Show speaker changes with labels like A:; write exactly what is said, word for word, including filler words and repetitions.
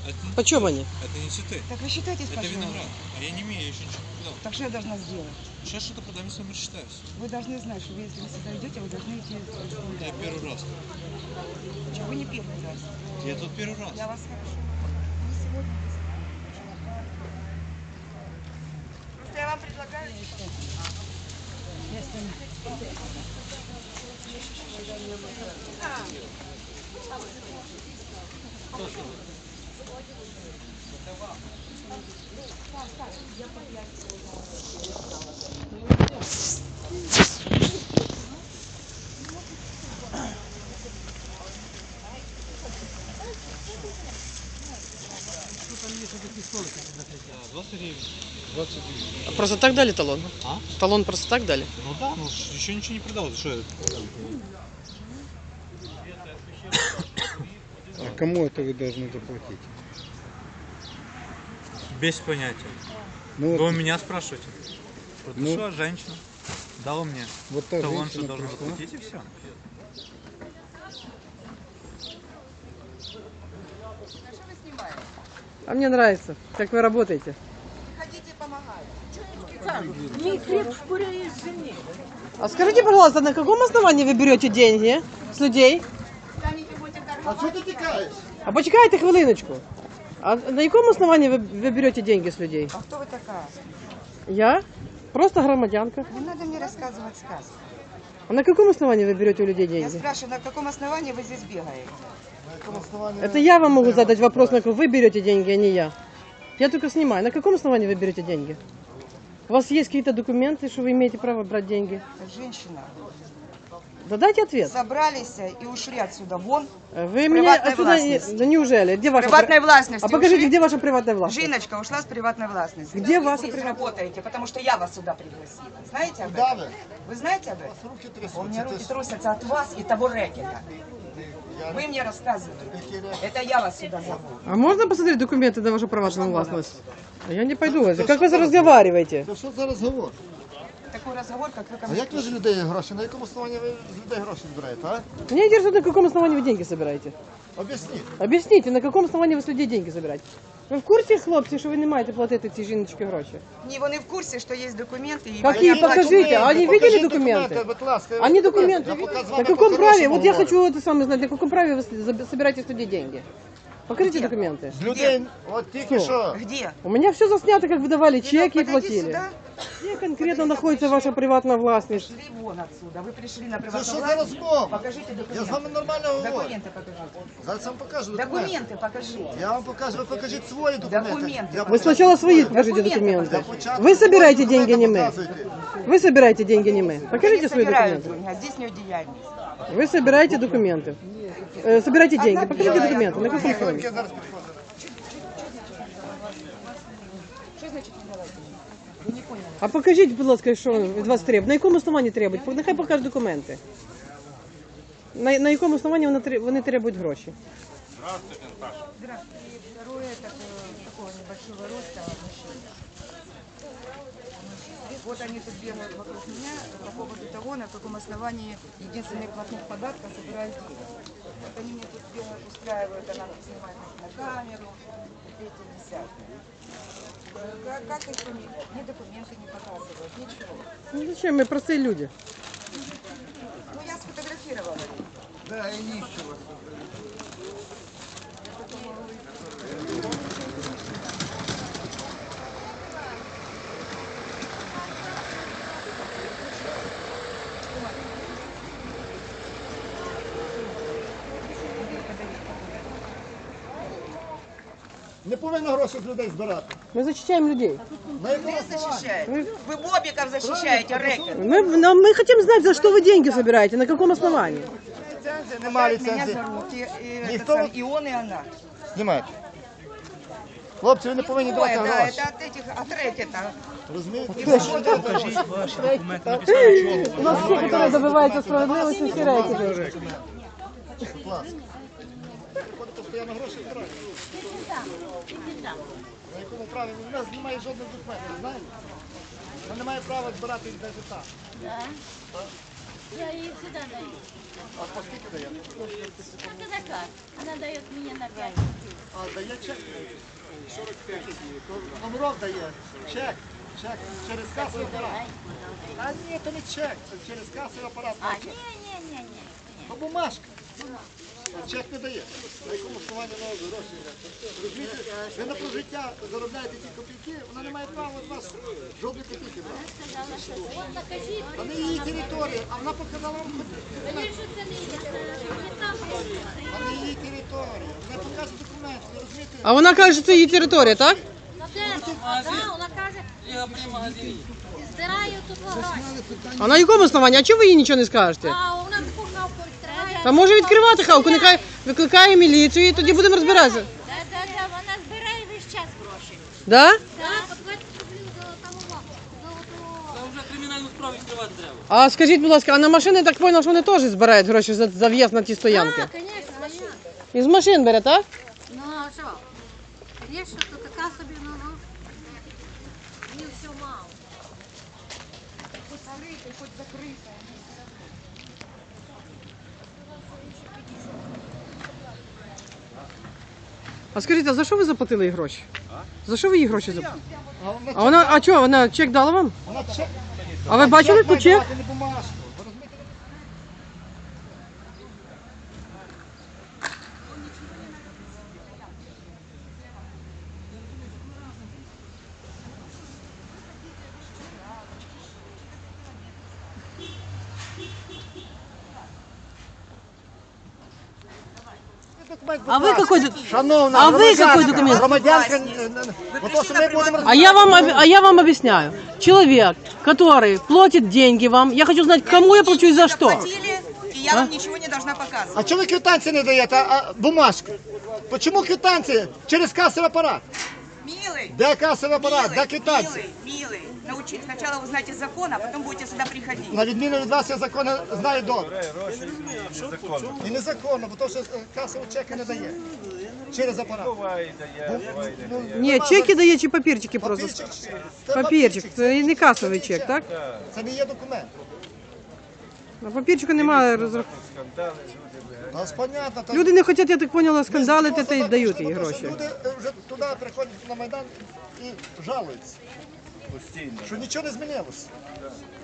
A: Это,
B: Почем они?
A: Это не цветы.
C: Так вы считайтесь,
A: Это
C: пожалуйста.
A: виноград. А я не умею, я еще ничего не продал.
C: Так что я должна сделать?
A: Сейчас что-то продам, если мы считаюсь.
C: Вы должны знать, что вы, если вы сюда идете, вы должны идти.
A: Я первый раз.
C: Что вы не первый раз.
A: Я тут первый раз.
C: Я вас хорошо. Не сегодня. Просто я вам предлагаю.
A: двадцать гривен. двадцать гривен.
B: А просто так дали талон?
A: А?
B: Талон просто так дали?
A: Ну да, ну еще ничего не продал. Что это?
D: А кому это вы должны заплатить?
A: Без понятия.
D: Ну,
A: Вы
D: вот,
A: у меня спрашиваете?
D: Ну.
A: Что, женщина дала мне
D: вот та
A: талон, что
D: женщина
A: должна
D: пришла.
A: заплатить, и все.
B: А мне нравится, как вы работаете.
C: Хотите помогать?
B: А скажите, пожалуйста, на каком основании вы берете деньги с людей?
D: А що ти тікаєш?
B: А почекайте хвилиночку. А на якому основании вы, вы берете деньги с людей?
C: А кто вы такая?
B: Я? Просто громадянка.
C: Не надо мне рассказывать сказки.
B: А на каком основании вы берете у людей
C: Я
B: деньги?
C: спрашиваю, на каком основании вы здесь бегаете?
D: На якому основанні?
B: Это я вам могу задать вопрос, на какой вы берете деньги, а не я. Я только снимаю. На каком основании вы берете деньги? У вас есть какие-то документы, что вы имеете право брать деньги?
C: Как женщина.
B: Да дайте ответ.
C: Собрались и ушли отсюда вон.
B: Вы меня
C: Приватной
B: отсюда... не-
C: властности.
B: Да неужели? Где ваша...
C: Приватной
B: при-
C: властности
B: А покажите,
C: ушли.
B: где ваша приватная власть?
C: Жиночка ушла с приватной властности.
B: Где
C: Вы
B: ваша
C: здесь
B: приват-
C: работаете, потому что я вас сюда пригласила. Знаете об
D: Да,
C: этом?
D: ви?
C: Вы знаете об этом?
D: Руки
C: У меня
D: трясуться.
C: руки трусятся от вас и того рэкета. Вы мне рассказываете. Это я вас сюда зову.
B: А можно посмотреть документы на вашу приватную властность? А я не пойду. Как вы разговариваете?
D: Та що за розговор?
C: Такой разговор, как вы ко
D: А
C: мне.
D: як ви з людей гроші? На якому основанні ви з людей гроші збираєте, а?
B: Меня интересует, на каком основании вы деньги собираете.
D: Об'ясніть.
B: Объясните, на каком основании вы с людей деньги собираете? Ви в курсі, хлопці, що ви не маєте платити ці жіночки гроші?
C: Не, вони в курсе, что есть документы. И
B: Какие?
C: они
B: Покажите. А они видели
D: Покажіть
B: документы?
D: будь ласка.
B: Они документы.
D: Я поки з
B: На
D: вами
B: каком
D: по-хорошому
B: праве? Вот я
D: говорю.
B: хочу это самое знать. На каком праве вы с- собираете с людей деньги? Покажите документы.
D: З людей, от тільки
B: Що?
D: що.
C: Где?
B: У меня все заснято, как вы давали чеки и
C: Подойди
B: платили.
C: сюда.
B: Где конкретно находится ваша приватная властность?
C: Шли вон отсюда. Вы пришли на
D: Це
C: приватную
D: що за
C: власть.
D: розмова?
C: Покажите
D: Я з вами
C: документы.
D: нормально говорю.
C: Документы покажите.
D: Зараз вам покажу документи.
C: Документы покажите.
D: Я вам покажу, ви покажіть свої документи.
C: Документи.
D: Я
B: Вы
D: покажу
B: сначала свои
D: свої.
B: покажите
C: Документы
B: документы.
D: Спочатку
B: Вы собираете
D: свої
B: деньги, не мы.
D: показуйте.
B: Вы собираете деньги, не мы.
C: Я
B: Покажите
C: не
B: свои
C: собираю
B: документы.
C: деньги, а здесь не деятельность.
B: Вы собираете документы. Э, собирайте деньги. Покажите
C: Давай,
B: документы. На
C: давай.
B: каком
D: Я
B: основании?
D: зараз підходжу.
C: Что значит не давайте? Вы не поняли.
B: А покажіть, будь ласка, що від вас треба. На якому основанні требують? Нехай покажуть документи. На, на якому основанні вони, тре- вони требують гроші?
C: Здравствуйте. Второе, это э, такого небольшого роста мужчина. Вот они тут бегают вокруг меня по поводу того, на каком основании единственных платных податков собирают деньги. Вот они мне тут бегают, устраивают, она снимает на камеру, третье, десятое. Как, как их фамилия? Мне документы не показывают, ничего.
B: Ну зачем? Ми прості люди.
C: Ну я сфотографировала.
D: Да, і нічого. Не повинно гроші з людей збирати.
B: Ми захищаємо людей.
D: На якому
C: Вы
D: основанні?
C: защищаете. Вы бобиков защищаете, рэкет.
B: Мы, нам- мы хотим знать, за что вы деньги собираете, на каком основании.
D: Нема
C: Меня
D: ліцензії.
C: зовут, и, и, это
D: Никто-
C: сам, и он, и она.
D: Знімайте. Хлопці, ви не повинні
C: Ой,
D: давати
C: да,
D: гроші.
C: это от этих, от рэкета.
D: Розумієте?
A: Покажіть ваші документи, написали чого.
B: У нас всі, які добиваються справедливості, всі рейки.
D: Будь ласка. Приходите постійно гроші збирати. На якому праві? У нас немає жодних документів, знаєте? Ми не маємо права збирати їх навіть так.
E: Я ей всегда даю.
D: А по скільки дає?
E: Это заказ. Она дает мне на пять.
D: А дає чек? сорок п'ять. Номерок дає. Чек. Чек. Через касовий апарат. А ні, то не чек. Це через касовий апарат.
E: А, не-не-не-не.
D: То бумажка. А чек не дає. На якому основанні на гроші? Розумієте, ви на прожиття заробляєте ці копійки, вона не має права від вас жодної копійки брати.
E: Сказала, що вот накажіть.
D: А не її територія, а вона показала вам
E: Мені ж це не є. Не там просто.
D: а не її територія. Вона показує документи, ви розумієте?
B: А вона каже, що це її територія, так?
E: Ну, де? Да, вона каже, здираю тут гроші.
B: А на якому основанні? А чого ви їй нічого не скажете?
E: А вона таку хавку відкриває.
B: Та може відкривати хавку, нехай викликає міліцію і тоді будемо розбиратися.
E: Да, да, да, вона збирає весь час гроші.
B: Да?
E: Да, по двадцять рублів золотого. Золотого.
F: Там вже кримінальну справу відкривати треба.
B: А скажіть, будь ласка, а на машини, я так поняла, що вони теж збирають гроші за, за в'їзд на ті стоянки?
E: А, конечно, конечно.
B: Із машин бере, так?
E: Ну, а що? Є, що то така собі, ну, ну. Мені все мало.
C: Хоть закрытый, хоть закрытый.
B: А скажіть, а за що ви заплатили їй гроші? За що ви їй гроші заплатили?
D: А вона
B: А вона, а чого, вона чек дала вам?
D: Вона чек.
B: А ви бачили по
D: має
B: чек?
D: давати, не бумажку. Ви розумієте? Документ, будь
B: А ви
D: ласка.
B: який,
D: Шановна,
B: А ви
D: громадянка,
B: який документ?
D: Громадянка, е, е, бо то, що ми будемо
B: а я вам, об- а я вам объясняю. Человек, который платит деньги вам, я хочу знать, кому я плачу и за что.
G: Платили, и я вам ничего не должна показывать.
D: А чому ви квитанції не даєте, а, а бумажку? Чому квитанції? Через касовий апарат.
G: Милый,
D: Де касовий апарат? Де
G: милый,
D: квитанції?
G: милый, милый. Научи, сначала узнаете закон, а потом будете сюда приходить.
D: На відміну від вас, я закони знаю добре. І незаконно, бо то, що е, касові чеки не дає. Через апарат. Ну,
B: Ні, чеки дає чи папірчики просто?
D: Папірчик, це
B: Папірчик, це не касовий чек, так?
D: Це не є документ.
B: На папірчику немає розрахунку.
D: У нас понятно. то-
B: Люди не хочуть, я так поняла, скандалити
D: Просто
B: та й
D: так
B: дають
D: пішли,
B: їй
D: бо то,
B: гроші.
D: що Люди е, вже туди приходять на Майдан і жалуються. Що нічого не змінилося.